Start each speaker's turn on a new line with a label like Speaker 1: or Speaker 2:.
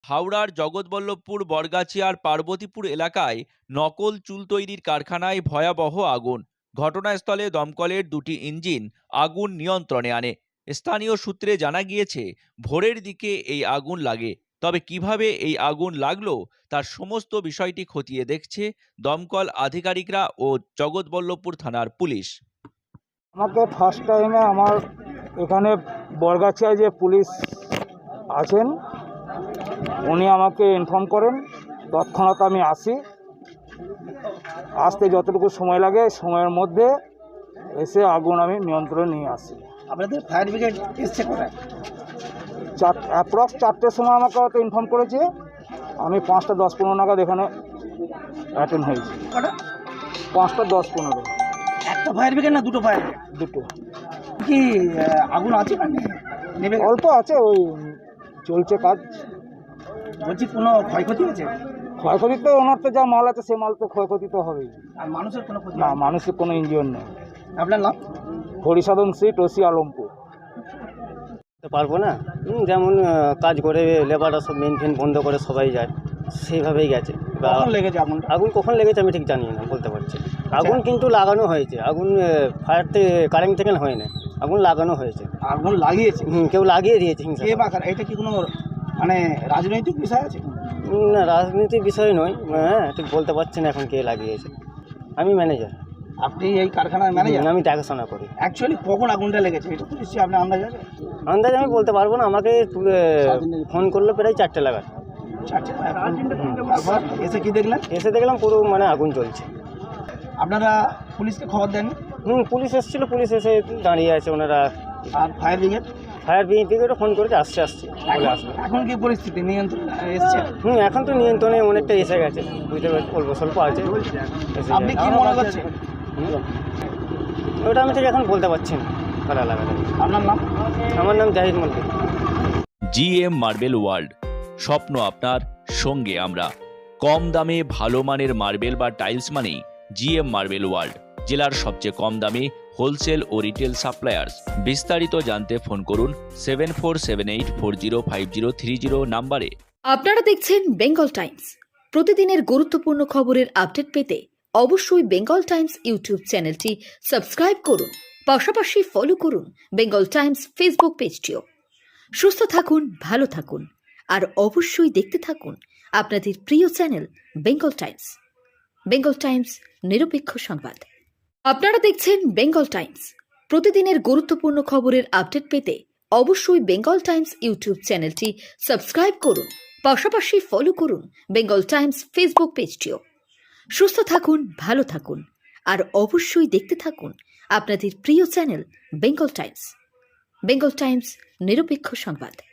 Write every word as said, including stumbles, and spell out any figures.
Speaker 1: হাওড়ার জগৎবল্লভপুর বরগাছিয়ার পার্বতীপুর এলাকায় নকল চুল তৈরির কারখানায় ভয়াবহ আগুন। ঘটনাস্থলে দমকলের দুটি ইঞ্জিন আগুন নিয়ন্ত্রণে আনে। স্থানীয় সূত্রে জানা গিয়েছে, ভোরের দিকে এই আগুন লাগে। তবে কিভাবে এই আগুন লাগলো তার সমস্ত বিষয়টি খতিয়ে দেখছে দমকল আধিকারিকরা ও জগৎবল্লভপুর থানার পুলিশ।
Speaker 2: আমাকে ফার্স্ট টাইমে আমার এখানে বরগাছিয়ায় যে পুলিশ আছেন উনি আমাকে ইনফর্ম করেন, তৎক্ষণাৎ আমি আসি। আসতে যতটুকু সময় লাগে সময়ের মধ্যে এসে আগুন আমি নিয়ন্ত্রণে নিয়ে আসি।
Speaker 3: আপনাদের ফায়ার ব্রিগেড এসছে কোথায়?
Speaker 2: চার অ্যাপ্রক্স চারটের সময় আমাকে হয়তো ইনফর্ম করেছে, আমি পাঁচটা দশ পনেরো নাগাদ এখানে অ্যাটেন্ড হয়েছি।
Speaker 3: কটা?
Speaker 2: পাঁচটা দশ পনেরো।
Speaker 3: একটা ফায়ার ব্রিগেড না দুটো ফায়ার ব্রিগেড?
Speaker 2: দুটো।
Speaker 3: কি আহ, আগুন আছে না নেই? নেবে
Speaker 2: অল্প আছে, ওই চলছে কাজ।
Speaker 3: বলছি কোনো ক্ষয়ক্ষতি হয়েছে?
Speaker 2: ক্ষয়ক্ষতি তো ওনার তো যা মাল আছে সে মাল তো ক্ষয়ক্ষতি তো হবেই।
Speaker 3: আর মানুষের কোনো ক্ষতি
Speaker 2: না,
Speaker 3: হয়নি?
Speaker 2: মানুষের কোনো ইঞ্জিন নেই।
Speaker 3: আপনার নাম?
Speaker 2: হরিসাধন সিট, ওসি আলমপুর।
Speaker 4: পারবো না। হুম, যেমন আহ, কাজ করে লেবাররা সব মেন ফেন বন্ধ করে সবাই যায়, সেইভাবেই গেছে। বা
Speaker 3: কখন লেগেছে আগুনটা?
Speaker 4: আগুন কখন লেগেছে আমি ঠিক জানি না, বলতে পারছি না। আগুন কিন্তু লাগানো হয়েছে, আগুন ফায়ার থেকে কারেন্ট থেকে হয় না, আগুন লাগানো হয়েছে।
Speaker 3: আগুন লাগিয়েছে
Speaker 4: হুম, কেউ লাগিয়ে দিয়েছে হিংসা
Speaker 3: কে
Speaker 4: করে।
Speaker 3: বা কারা? এটা কি কোনো মানে রাজনৈতিক বিষয় আছে?
Speaker 4: হুম, না, রাজনীতির বিষয় নয়। হ্যাঁ, ঠিক বলতে পারছি না এখন কে লাগিয়েছে। আমি ম্যানেজার,
Speaker 3: আপনি এই কারখানার ম্যানেজার?
Speaker 4: আমি দেখাশোনা করি।
Speaker 3: অ্যাকচুয়ালি কখন আগুনটা লেগেছে এটা তো নিশ্চয়ই আপনার আন্দাজ আছে?
Speaker 4: আন্দাজ আমি বলতে পারবো না, আমাকে তুলে ফোন করলো প্রায় চারটে লাগার।
Speaker 3: চারটে। তারপর এসে কি দেখলেন?
Speaker 4: এসে দেখলাম পুরো মানে আগুন চলছে।
Speaker 3: আপনারা পুলিশকে খবর দেন?
Speaker 4: হুম, পুলিশ এসেছিলো, পুলিশ এসে দাঁড়িয়ে আছে ওনারা।
Speaker 3: আর ফায়ার ব্রিগেড?
Speaker 4: ফায়ার ব্রিগেডও ফোন করেছে, আসছে আসছে বলে
Speaker 3: এখন
Speaker 4: আসবে।
Speaker 3: এখন কি পরিস্থিতি নিয়ন্ত্রণ এসছে?
Speaker 4: হুম, এখন তো নিয়ন্ত্রণে অনেকটা এসে গেছে, বুঝতে পারছি, অল্প স্বল্প আছে। এসে
Speaker 3: আপনি
Speaker 4: গেছে।
Speaker 3: কি মনে করছেন?
Speaker 4: হুম, ওটা আমি ঠিক এখন বলতে পারছি না কারা লাগাতে।
Speaker 3: আপনার নাম?
Speaker 4: আমার নাম Zahid Mallick.
Speaker 1: GM marble world, স্বপ্ন আপনার, সঙ্গে আমরা। কম দামে ভালো মানের মার্বেল বা টাইলস মানেই জিএম মার্বেল ওয়ার্ল্ড, জেলার সবচেয়ে কম দামে হোলসেল ও রিটেল সাপ্লায়ার্স। বিস্তারিত জানতে ফোন করুন seven four seven eight four zero five zero three zero নাম্বারে।
Speaker 5: আপনারা দেখছেন বেঙ্গল টাইমস। প্রতিদিনের গুরুত্বপূর্ণ খবরের আপডেট পেতে অবশ্যই বেঙ্গল টাইমস ইউটিউব চ্যানেলটি সাবস্ক্রাইব করুন, পাশাপাশি ফলো করুন বেঙ্গল টাইমস ফেসবুক পেজটিও। সুস্থ থাকুন, ভালো থাকুন, আর অবশ্যই দেখতে থাকুন আপনাদের প্রিয় channel Bengal times. Bengal times, নিরপেক্ষ সংবাদ। আপনারা দেখছেন বেঙ্গল টাইমস। প্রতিদিনের গুরুত্বপূর্ণ খবরের আপডেট পেতে অবশ্যই বেঙ্গল টাইমস ইউটিউব চ্যানেলটি সাবস্ক্রাইব করুন, পাশাপাশি ফলো করুন বেঙ্গল টাইমস ফেসবুক পেজটিও। সুস্থ থাকুন, ভালো থাকুন, আর অবশ্যই দেখতে থাকুন আপনাদের প্রিয় channel Bengal times. Bengal times, নিরপেক্ষ সংবাদ।